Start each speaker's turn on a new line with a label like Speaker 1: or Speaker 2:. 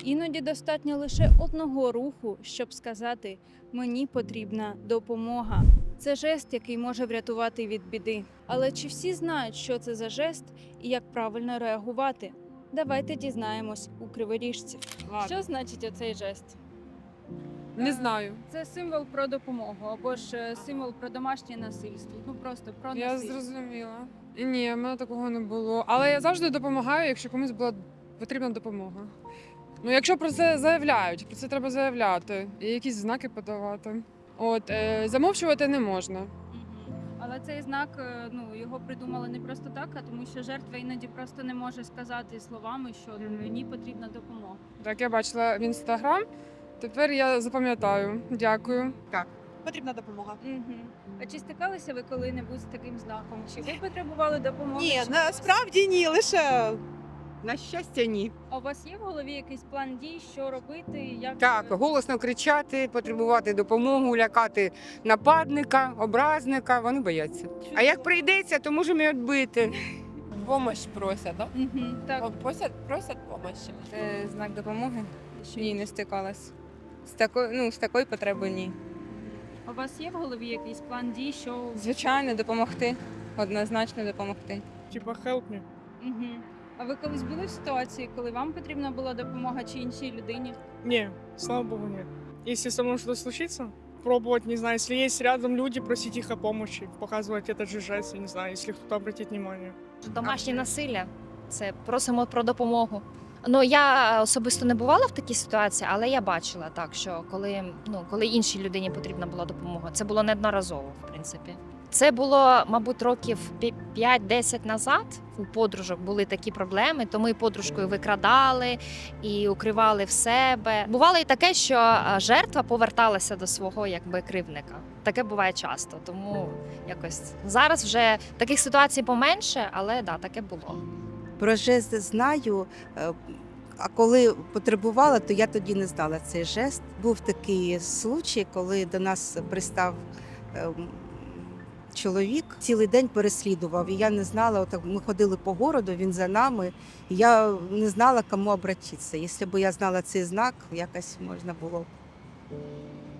Speaker 1: Іноді достатньо лише одного руху, щоб сказати «мені потрібна допомога». Це жест, який може врятувати від біди. Але чи всі знають, що це за жест і як правильно реагувати? Давайте дізнаємось у криворіжців. Що значить оцей жест?
Speaker 2: Не знаю.
Speaker 1: Це символ про допомогу або ж символ про домашнє насильство. Ну просто про
Speaker 2: Я
Speaker 1: насильство.
Speaker 2: зрозуміла. Ні, в мене такого не було. Але я завжди допомагаю, якщо комусь була потрібна допомога. Ну, якщо про це заявляють, про це треба заявляти і якісь знаки подавати. Замовчувати не можна.
Speaker 1: Мгм. Але цей знак, його придумали не просто так, а тому що жертва іноді просто не може сказати словами, що мені потрібна допомога.
Speaker 2: Так, я бачила в інстаграм. Тепер я запам'ятаю. Дякую.
Speaker 3: Потрібна допомога.
Speaker 1: А чи стикалися ви коли-небудь з таким знаком? Чи ви потребували допомоги?
Speaker 3: Ні,
Speaker 1: Чи
Speaker 3: насправді ні, лише на щастя, ні.
Speaker 1: А у вас є в голові якийсь план дій, що робити? Як
Speaker 4: Так, голосно кричати, потребувати допомогу, лякати нападника, образника. Вони бояться. А як прийдеться, то можемо і відбити.
Speaker 5: Помощь просять, да?
Speaker 1: Так.
Speaker 5: Просять помощи.
Speaker 6: Це знак допомоги? Ні, не стикалась. З такою потребою ні.
Speaker 1: У вас є в голові якийсь план дій, що
Speaker 6: Звичайно, допомогти. Однозначно допомогти.
Speaker 7: Типа help me.
Speaker 1: Мгм. А ви колись були в ситуації, коли вам потрібна була допомога чи іншій людині?
Speaker 7: Не, слава богу, нет. Если со мной что-то случится, пробовать, не знаю, если есть рядом люди, просить их о помощи, показывать этот же жест, я не знаю, если кто-то обратит внимание.
Speaker 8: Домашнє насилля це просимо про допомогу. Ну я особисто не бувала в такій ситуації, але я бачила так, що коли іншій людині потрібна була допомога, це було неодноразово, в принципі. Це було, мабуть, років 5-10 назад. У подружок були такі проблеми, то ми подружкою викрадали і укривали в себе. Бувало і таке, що жертва поверталася до свого кривдника. Таке буває часто, тому якось зараз вже таких ситуацій поменше, але да, таке було.
Speaker 9: Про жест знаю, а коли потребувала, то я тоді не знала цей жест. Був такий случай, коли до нас пристав чоловік, цілий день переслідував. І я не знала, ми ходили по городу, він за нами. І я не знала, кому обратитися. Якщо б я знала цей знак, якось можна було.